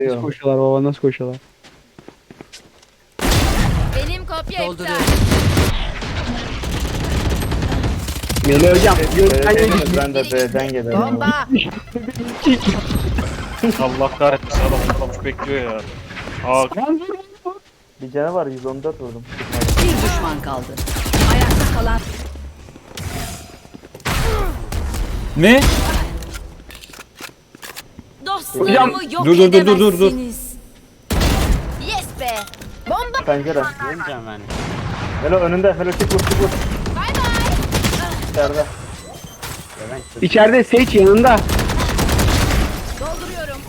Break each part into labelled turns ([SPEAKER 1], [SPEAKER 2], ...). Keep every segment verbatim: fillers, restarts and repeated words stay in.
[SPEAKER 1] Nasıl koşuyorlar baba, nasıl koşuyorlar?
[SPEAKER 2] Benim kopya iptal.
[SPEAKER 1] Melih hocam.
[SPEAKER 3] B'den
[SPEAKER 1] Gökten
[SPEAKER 3] gelir, ben de B'den gelirim.
[SPEAKER 2] Bomba.
[SPEAKER 4] Allah kahretsin adam adam bekliyor ya. Aa
[SPEAKER 3] Bir canı var, yüz on dört vurdum.
[SPEAKER 5] Bir düşman kaldı. Ayakta kalan
[SPEAKER 6] Ne?
[SPEAKER 2] Dostlarımı yok
[SPEAKER 6] Dur, dur, dur, dur, dur, dur.
[SPEAKER 2] edemezsiniz. Yes be. Bomba.
[SPEAKER 3] Pencere.
[SPEAKER 7] Yemeyeceğim ben.
[SPEAKER 3] Melo önünde. Melo çık vur çık vur.
[SPEAKER 2] Bay bay.
[SPEAKER 3] İçeride.
[SPEAKER 1] İçeride Sage yanında.
[SPEAKER 2] Dolduruyorum.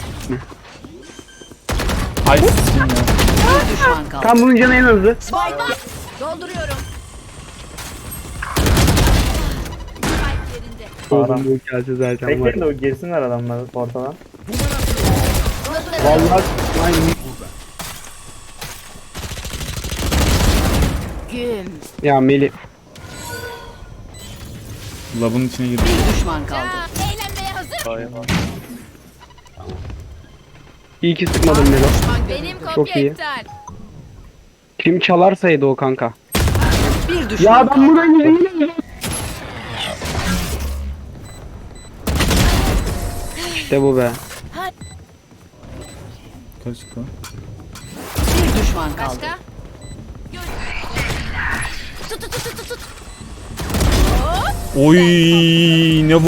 [SPEAKER 6] Ay sikim ya.
[SPEAKER 5] bir düşman kaldı.
[SPEAKER 1] Tam bunun canı en hızlı.
[SPEAKER 2] Bomba. Dolduruyorum. Spike yerinde.
[SPEAKER 1] Oğlum bu hikayesi zaten var.
[SPEAKER 3] Bekleyin de o girsinler adamlar ortadan.
[SPEAKER 1] Vallahi aynı.
[SPEAKER 2] Güm.
[SPEAKER 1] Ya Melih.
[SPEAKER 6] Labın içine girdi.
[SPEAKER 5] Bir düşman kaldı.
[SPEAKER 2] Aa, eğlenmeye hazır.
[SPEAKER 4] hayır.
[SPEAKER 1] İyi ki sıkmadım Melo.
[SPEAKER 2] Benim kopya
[SPEAKER 1] Çok iyi.
[SPEAKER 2] iptal.
[SPEAKER 1] Kim çalarsaydı o kanka.
[SPEAKER 5] Bir düşman
[SPEAKER 1] Ya ben
[SPEAKER 5] kaldı.
[SPEAKER 1] buradan yürüyeyim. İşte bu be.
[SPEAKER 6] Kaç çıktı?
[SPEAKER 5] Bir düşman kaldı.
[SPEAKER 2] Başka? Gör. Tut tut tut tut tut.
[SPEAKER 6] Oy ne bu?